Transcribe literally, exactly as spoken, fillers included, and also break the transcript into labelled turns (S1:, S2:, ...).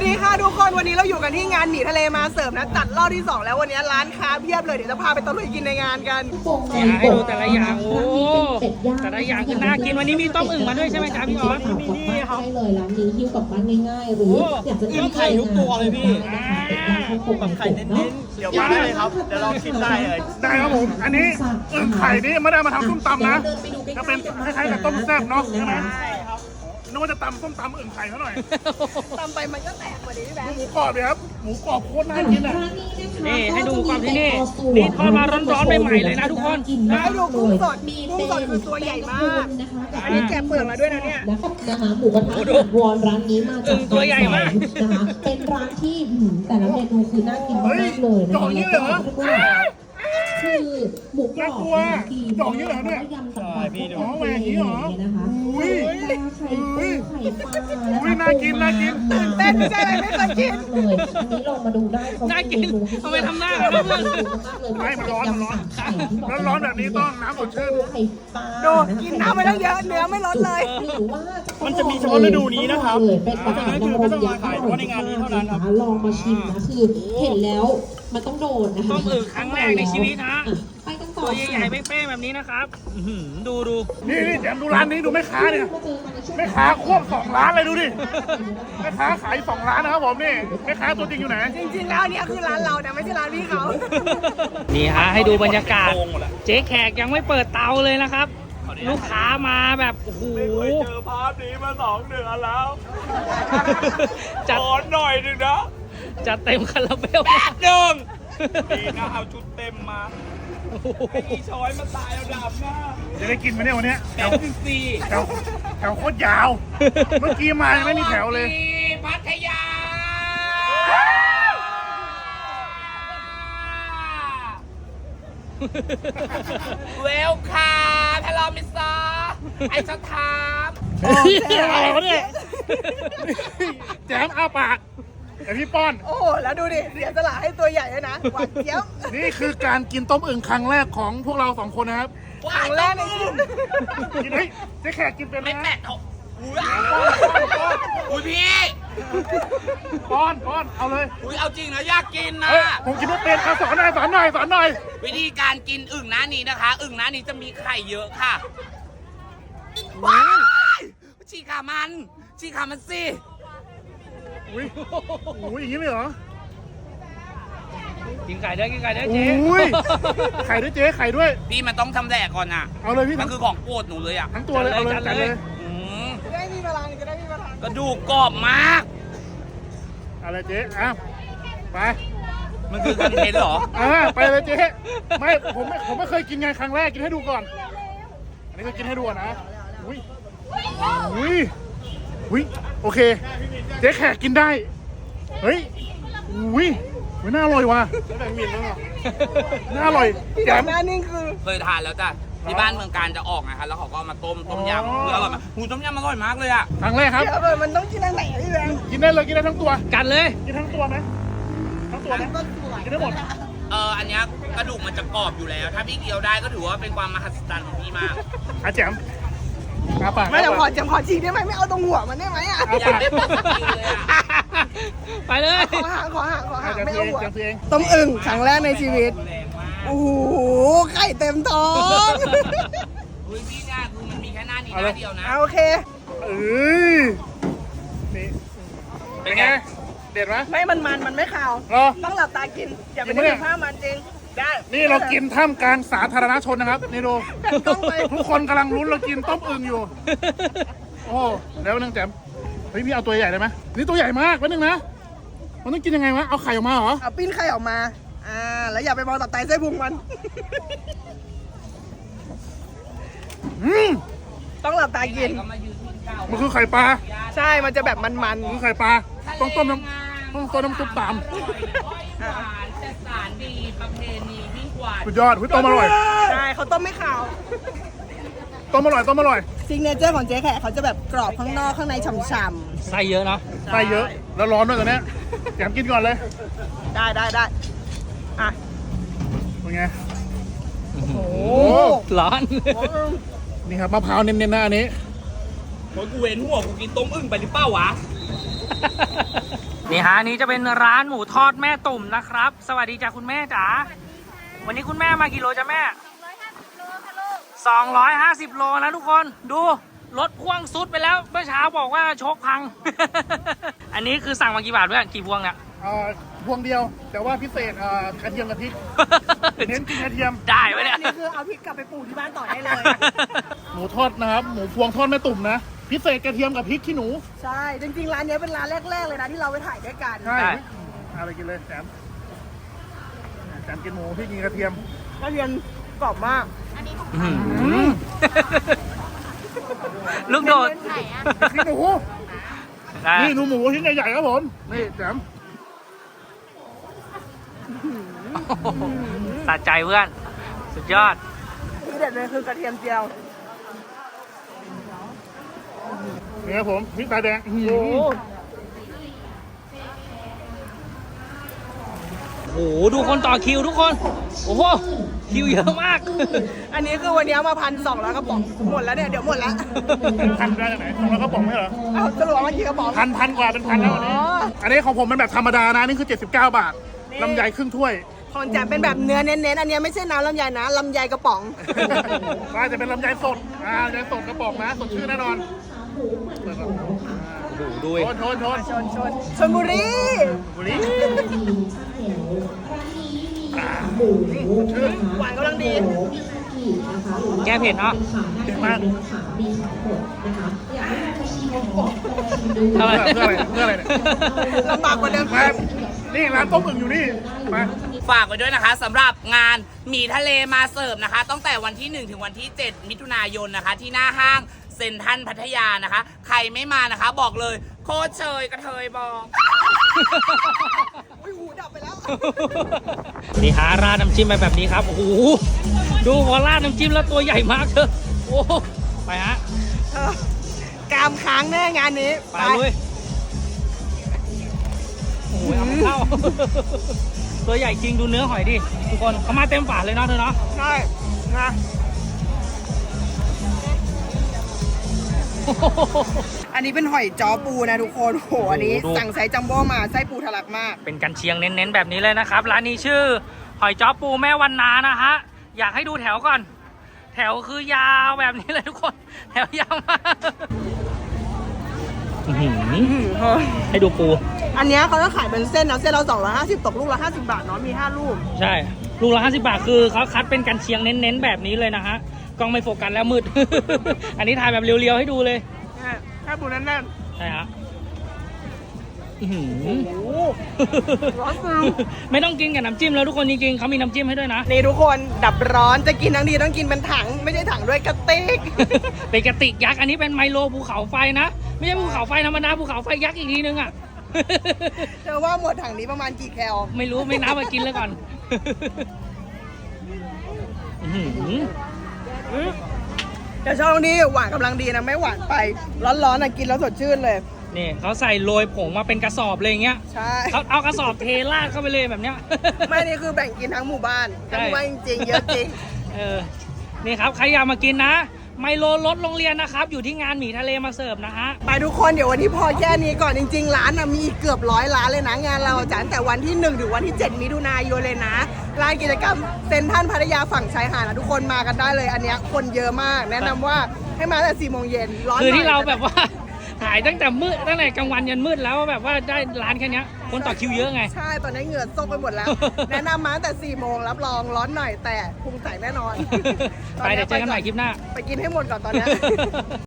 S1: สดีค่ะทุกคนวันนี้เราอยู่กันที่งานหนีทะเลมาเสิร์ฟนะจัดรอบที่สองแล้ววันนี้ร้านค้าเพียบเลยเดี๋ยวจะพาไปตะลุยกินในงานกัน
S2: ให้ดูแต่ละอย่างโอ้แต่ละอย่างคือน่ากินวันนี้มีต้มอึ่งมาด้วยใช่ไหมจ๊ะพี่ออส
S3: มีนี่ครับใช่เลยร้านนี้หิ้วกลับบ้านง่ายๆหรืออยากจะกินไข่ทุกตัวเลยพี่
S4: แบบไข่เน้นๆเดี๋ยวมาได้เลยครับเดี๋ยวลองชิมได้เลย
S5: ได้ครับผมอันนี้อึ่งไข่นี่ไม่ได้มาทำส้มตำนะจะเป็นคล้ายๆกับต้มแซ่บเนาะใช่ไหมนึกว่าจะตำส้มตำอึ่งไข่เขาหน่อย
S1: ตำไปมันก็แตกกว่านี้พี่แบงค์
S5: หมูกรอบเลยครับหมูกรอบโคตรน่ากินอ่ะ
S2: นี่ให้ดูความที่นี่นี่ทอดมาร้อนๆใหม่ๆเลยนะทุกคน
S1: ให้ดูกุ้งสดกุ้งสดคือตัวใหญ่มากอันนี้แกะเปลือกมาด้วยนะเนี่ย
S3: นะคะหมูกระทะวอนร้านนี้มาจาก
S2: ตัวใหญ่มาก
S3: นะคะเป็นร้านที่แต่ละเมนูคือน่ากินมากเลยนะคะแล้วก็คือหมูกรอบ
S5: ดีดอกนี้เหรอเนี่ย
S3: ยำสับปะรด
S5: อ๋อแหวกนี้เหรอ
S3: นะคะอุ้ยไข่ปูไข่ปลา
S5: อุ้ยน่ากินน่ากิน
S1: ตื่นเต้นไม่ใช่อะไรไม่เคยกิน
S3: เลยอันนี้ลองมาดูได้เขา
S2: น่ากินทำไมทำหน้าแบบนั้น
S5: ไม่มันร้อนมันร้อนร้อนร้อนแบบนี้ต้องน้ำสดชื่น
S1: ดูกินน้ำไปแล้วเยอะเนื้อไม่ลดเลย
S4: มันจะมีเฉพาะฤดูนี้นะครับ
S3: เพราะฉะนั้นคือไม่ต้องมาขายเฉพาะในงานนี้เท่านั้นครับลองมาชิมนะคือเห็นแล้วมันต้องโดนนะคะ
S2: ต้มอึ่งครั้งแรกในชีวิตนะตัวใหญ่ๆเป้ๆแบบนี้นะครับดูดู
S5: นี่นี่เดี๋ยวดูร้านนี้ดูแม่ค้าเนี่ยแม่ค้าควบสองร้านเลยดูดิแม่ค้าขายสองร้านนะครับผมนี่แม่ค้าตัวจริงอยู่ไหน
S1: จริงๆแล้วเนี่ยคือร้านเราแต่ไม่ใช่ร้านพี่เขา
S2: นี่ฮะให้ดูบรรยากาศเจ๊แขกยังไม่เปิดเตาเลยนะครับลูกค้ามาแบบโอ้โห
S4: เจอภาพนี้มาสองเดือนแล้วจัดหน่อยหนึ่งนะ
S2: จัดเต็มคาราเบล
S4: หนึ่งดีนะเอาชุดเต็มมาไอ้อีช้อยมาตายเอาดาบหน้า
S5: จะได้กินไหมเนี่ยวันนี้
S4: แถวสี่
S5: แถวแถวโคตรยาวเมื่อกี้มาไม่มีแถวเลย
S4: พัทยาเวลคาทะเลามิซาไอชะทาม
S5: อะไรวะเนี่ยแจมอ้าปากแต่พี่ป้อน
S1: โอ้โหแล้วดูดิเสียสละให้ตัวใหญ่เลยนะหวานเจี๊ยบ
S5: นี่คือการกินต้มอึ่งครั้งแรกของพวกเราสองคนนะครับ
S1: ครั้งแรกในชีวิต
S5: กินเฮ้ยเจ๊แขกกินเป็นไหม
S4: ไม่แตะเขาอุ้ยพี่
S5: ป้อนป้อนเอาเลย
S4: อุ้ยเอาจริงนะอยากกินนะ
S5: ผมกินไม่เป็นเอาสอนหน่อยสอนหน่อยสอนหน่อย
S4: วิธีการกินอึ่งน้านี้นะคะอึ่งน้านี้จะมีไข่เยอะค่ะว้ายฉีกขามันฉีกขามันสิ
S5: อุ้ยอุ้ยอย่างนี้เลยเหรอ
S2: กินไก่ด้วยกินไก่ด้วยเจ๊
S5: อุ้ยไข่ด้วยเจ๊ไข่ด้วย
S4: พี่มันต้องทำแดกก่อนนะ
S5: เอาเลยพี่
S4: มันคือของโปรดหนูเลยอ่ะ
S5: ทั้งตัวเลยเอาเลยจัดเลย
S1: จะได้มีพลังจะได้มีพลัง
S4: กระดูกกรอบมาก
S5: อะไรเจ๊อ้าวไป
S4: มันคือคอนเทนต์เหรอ
S5: อ่าไปเลยเจ๊ไม่ผมไม่ผมไม่เคยกินไงครั้งแรกกินให้ดูก่อนอันนี้ก็กินให้ดูนะอุ้ยอุ้ยอุ้ยโอเคเจ๊แขกกินได้เฮ้ยอุ้ยมันน่าอร่อยว่ะน่าอร่อย
S1: แจ่มน่านิ่งคือ
S4: เคยทานแล้วจ้ะที่บ้านเมืองการจะออกนะคะแล้วเขาก็มาต้มต้มยำคืออร่อยมากหูต้มยำอร่อยมากเลยอ่ะ
S5: ครั้งแรกครับ
S1: เออมันต้องกินอะไรพี่แบงค์
S5: กินได้เลยกินได้ทั้งตัว
S2: กันเลย
S5: กินทั้งตัวไหมทั้งตัวไหมกินได้หมด
S4: เอออันนี้กระดูกมันจะกรอบอยู่แล้วถ้าพี่เคี้ยวได้ก็ถือว่าเป็นความมหัศจรรย์ของพี่มาก
S5: อาแจ๋ม
S1: ไม่แต่พอจะพอฉีกได้ไหมไม่เอาตรงหัวมันได้ไหมอ่ะ
S4: อยากได้ปกติเลยอ่ะ
S2: ไปเลย
S1: ขอหาขอหาขอหาไม่เอาหัวต้มอึ่งครั้งแรกในชีวิตโอ้โหไข่เต็มท้อง
S4: อุ้ยพี่เนี่ยคือมันมีแค่หน้านี้หน้าเดียวนะ
S1: โอเค
S5: เอ้ยนี่เป็นไงเด็ดไหม
S1: ไม่มันมันมันไม่ขาวต้องหลับตากินอย่าไปเห็นภาพมันจริงได้
S5: นี่เรากินท่ามกลางสาธารณชนนะครับนี่ดูทุกคนกำลังลุ้นเรากินต้มอึ่งอยู่โอ้แล้วนึงแจ่มเฮ้ยพี่เอาตัวใหญ่ได้ไหมนี่ตัวใหญ่มากแป๊บนึงนะมันต้องกินยังไงวะเอาไข่ออกมาเหรอ
S1: เอาปิ้นไข่ออกมาอ่าแล้วอย่าไปมองตับไตไส้พุงมัน
S5: อืม
S1: ต้องหลับตากิน
S5: มันคือไข่ปลา
S1: ใช่มันจะแบบมันๆ
S5: คือไข่ปลาต้องต้มน้ำต้องต้มน้ำซุปตาม
S4: สารดีประเพณียิ่งกว่า
S5: สุดยอดต้มอร่อย
S1: ใช่เขาต้มไม่ขาว
S5: ต้มอร่อยต้มอร่อย
S1: ซิกเนเจอร์ของเจ๊แขกเขาจะแบบกรอบข้างนอกข้างในฉ่ำ
S2: ๆไส้เยอะเนาะ
S5: ไส้เยอะแล้วร้อนด้วยตอนนี้แกมกินก่อนเลย
S1: ได้ได้ได้อ่ะ
S5: เป็นไง
S1: โอ้โห
S2: ร้อน
S5: นี่ครับมะพร้าวเน้นๆนะอันนี้
S4: โอ้ยกูเว้นหัวกูกินต้มอึ่งไปหรือเปล่าวะ
S2: นี่ะอันนี้จะเป็นร้านหมูทอดแม่ตุ่มนะครับ สวัสดีจ้ะคุณแม่จ๋าวันนี้คุณแม่มากี่โลจ้ะแม่สองร้อยห้าสิบโลนะทุกคนดูรถพ่วงซุดไปแล้วเมื่อเช้าบอกว่าโชคพัง อันนี้คือสั่งมากี่บาทเพื่อนกี่พวงเนี่ย
S5: เอ่อพวงเดียว แต่ว่าพิเศษเอ่อกระเทียมกะพริก เน้นกินกระเทียม
S2: ได้ไหมเนี่ย
S1: อันนี้คือเอาพริกกลับไปปลูกที่บ้านต่อได้เลย
S5: หมูทอดนะครับหมูพวงทอดแม่ตุ่มนะพิเศษกระเทียมกับพริกขี้หนู
S1: ใช่ จริงๆ ร้านนี้เป็นร้านแรกๆ เลยนะที่เราไปถ่ายด้วยกัน
S5: ใช่เอาไปกินเลยแสมแสมกินหมูพี่กินกระเทียม
S1: กระเทียมกรอบมาก
S2: อื้อหือลูกโดด
S5: พริกหนู
S2: ได้
S5: นี่หนูหมูชิ้นใหญ่ๆครับผมนี่แสม
S2: สะใจเพื่อนสุดยอด
S1: ที่เด็ดเลยคือกระเทียมเจียว
S5: นี่ครับผมพริกตาแดงอื้อหือ
S1: โอ้
S2: โอ้โหดูคนต่อคิวทุกคนโอ้โหคิวเยอะมาก
S1: อันนี้คือวันนี้มาพันสองแล้วกระป๋องหมดแล้วเนี่ย เดี๋ยวหมดแล้ว
S5: พันได้จากไหนสองร้อยกระป๋องไม่เหรอ
S1: เอาสรุปว่าเมื่อกี้กระป๋อง
S5: พันพันกว่าเป็นพันแล้ววันนี้
S1: อ๋อ
S5: อันนี้ของผมเป็นแบบธรรมดานะนี่คือเจ็ดสิบเก้าบาท
S1: นี่
S5: ลำไยครึ่งถ้วย
S1: ของแจมเป็นแบบเนื้อเน้นๆ อันนี้ไม่ใช่น้ำลำไยนะลำไยกระป๋อง
S5: ว่าจะเป็นลำไยสดอ่าลำไยสดกระป๋องนะสดชื่นแน่นอนเปิดก่อน
S2: โอ้โหดู
S5: ชนชนชน
S1: ชนชนชนบุรี
S5: บุรีอ่าสดชื่น
S1: หวานกำลังดี
S2: แก้เผ็ดเนาะ
S5: เก่งมาก
S2: ทำไม
S5: เพื่ออะไรเพื่ออะไรเนี่ย
S1: ลำบากกว่าเดิม
S5: มานี่ร้านต้มอึ่งอยู่นี่มา
S4: ฝากไว้ด้วยนะคะสำหรับงานหมี่ทะเลมาเสิร์ฟนะคะตั้งแต่วันที่หนึ่งถึงวันที่เจ็ดมิถุนายนนะคะ ที่หน้าห้างเซ็นทรัลพัทยานะคะ ใครไม่มานะคะ บอกเลยโคตรเชยกระเทยบอก
S1: อุ้ยหูดับไปแล้ว
S2: นี่หาราดน้ำจิ้มไปแบบนี้ครับโอ้โหดูพอราดน้ำจิ้มแล้วตัวใหญ่มากเถอะโอ้ไปฮะ
S1: เออกามค้างแน่งานนี้
S2: ไปเลยโอ้ยเอาไม่เข้า ตัวใหญ่จริงดูเนื้อหอยดิทุกคนเขามาเต็มฝาเลยเนาะเธอเนาะ
S1: ใช่นะอันนี้เป็นหอยจ้อปูนะทุกคนโหอันนี้สั่งไซส์จัมโบ้มาไส้ปูทะลักมาก
S2: เป็นกันเชียงเน้นๆแบบนี้เลยนะครับร้านนี้ชื่อหอยจ้อปูแม่วันนานะฮะอยากให้ดูแถวก่อน แถวคือยาวแบบนี้เลยทุกคนแถวยาวมากอื้อหือให้ดูปู
S1: อันเนี้ยเขาจะขายเป็นเส้นนะเส้นเราสองร้อยห้าสิบตกลูกละห้าสิบบาทเนาะมีห้าลูก
S2: ใช่ลูกละห้าสิบบาทคือเขาคัดเป็นกันเชียงเน้นๆแบบนี้เลยนะฮะกล้องไม่โฟกัสแล้วมืด อันนี้ถ่ายแบบเรียวๆให้ดูเลย
S1: แค่ปูแน่น
S2: ใช่ฮะอื้อหือ
S1: ๆโอ้โหร้อนจัง
S2: ไม่ต้องกินกับน้ำจิ้มแล้วทุกคนจริงๆเขามีน้ำจิ้มให้ด้วยนะ
S1: นี่ทุกคนดับร้อนจะกินทั้งทีต้องกินเป็นถัง ไม่ใช่ถังด้วยกระติก
S2: เป็นกระติกยักษ์อันนี้เป็นไมโลภูเขาไฟนะไม่ใช่ภูเขาไฟธรรมดาภูเขาไฟยักษ์อีกทีนึงอ่ะ
S1: เธอว่าหมดถังนี้ประมาณกี่แคล
S2: ไม่รู้ไม่นับมากินเลยก่อน อื้อหือ
S1: แต่ช่องนี้หวานกำลังดีนะไม่หวานไป ร้อนๆนะกินแล้วสดชื่นเลย
S2: นี่เขาใส่โรยผงมาเป็นกระสอบเลยอย่างเงี้ย
S1: ใช่
S2: เขาเอากระสอบเทราดเข้าไปเลยแบบเนี้ย
S1: ไม่นี่คือแบ่งกินทั้งหมู่บ้าน
S2: ใช่
S1: ทั้งหมู่บ้านจริงๆเยอะจริง
S2: เออ นี่ครับใครอยากมากินนะ ไมโลรถโรงเรียนนะครับ อยู่ที่งานหมี่ทะเลมาเสิร์ฟนะฮะ
S1: ไปทุกคนเดี๋ยววันนี้พอแค่นี้ก่อนจริง ๆ ร้านนะมีอีกเกือบร้อยร้านเลยนะงานเราจัดตั้งแต่วันที่หนึ่งถึงวันที่เจ็ดมิถุนายนเลยนะร้านกิจกรรมเซ็นทรัลพัทยาฝั่งชายหาดนะทุกคนมากันได้เลย อันเนี้ยคนเยอะมาก แนะนำว่าให้มาตั้งแต่สี่โมงเย็นร้อนหน่
S2: คือ
S1: อย
S2: ที่เราแบบว่า ถ่ายตั้งแต่มืดตั้งแต่กลางวันยันมืดแล้วแบบว่าได้ร้านแค่เนี้ยคนต่อคิวเยอะไง
S1: ใช่ตอนนี้เหงื่อซกไปหมดแล้ว แนะนำมาตั้งแต่สี่โมงรับรองร้อนหน่อยแต่พุงใสแน่นอน
S2: ไปเดี๋ยวเจอกันใหม่คลิปหน้า
S1: ไปกินให้หมดก่อนตอนเนี้ย